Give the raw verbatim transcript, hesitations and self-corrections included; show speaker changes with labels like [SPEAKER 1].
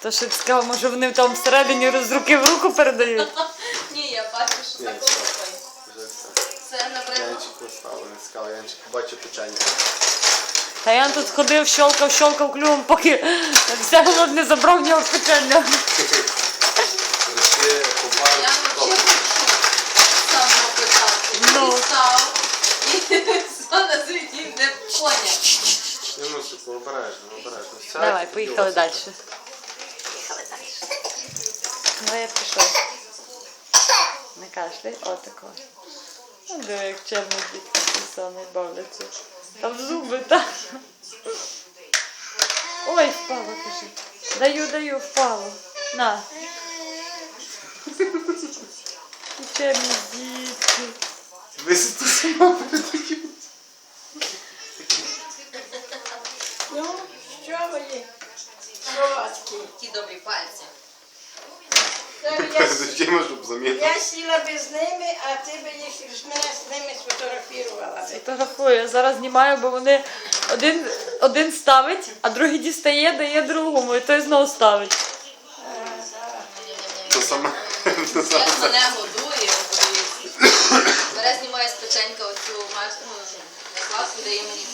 [SPEAKER 1] То що ти сказав, може вони там всередині з руки в руку передають?
[SPEAKER 2] Ні, я бачу, що
[SPEAKER 3] Ні,
[SPEAKER 2] такого
[SPEAKER 3] все.
[SPEAKER 2] стоїть.
[SPEAKER 3] Вже все.
[SPEAKER 2] Це, наприклад,
[SPEAKER 3] Янчик поставили, не сказав, Янчик побачив печення.
[SPEAKER 1] Та я тут ходив, щолкав, щолкав клювом, поки все голод не забрав в нього печення.
[SPEAKER 3] Прийшли,
[SPEAKER 2] я
[SPEAKER 3] побачив,
[SPEAKER 2] взагалі з самого початку.
[SPEAKER 1] Ну.
[SPEAKER 2] І став, і все на світі не поняв.
[SPEAKER 3] Не мусить, обережно, обережно. Сядь,
[SPEAKER 1] Давай,
[SPEAKER 3] і
[SPEAKER 1] поїхали
[SPEAKER 3] ось.
[SPEAKER 1] далі. Поїхали далі. Ну я пішов. Не кашляй, отако. Ну, диви, як чемно дітки самі бавляться. Там зуби, так. Ой, впало, кажи. Даю, даю, впало. На. Чемні дітки.
[SPEAKER 3] Висити сама перед таким.
[SPEAKER 4] Ну, що ви? Солодкі.
[SPEAKER 2] Ті добрі пальці.
[SPEAKER 4] Я,
[SPEAKER 3] Зачем, щоб замітити?
[SPEAKER 4] я сіла би з ними, а ти би їх з мене з ними сфотографувала би.
[SPEAKER 1] Фотографую, я зараз знімаю, бо вони один, один ставить, а другий дістає, дає другому, і той знову ставить.
[SPEAKER 3] То саме. То
[SPEAKER 2] Як
[SPEAKER 3] саме.
[SPEAKER 2] мене годує, подивіться. Бере, знімає з печенька оцю маску, накладку, дає мені.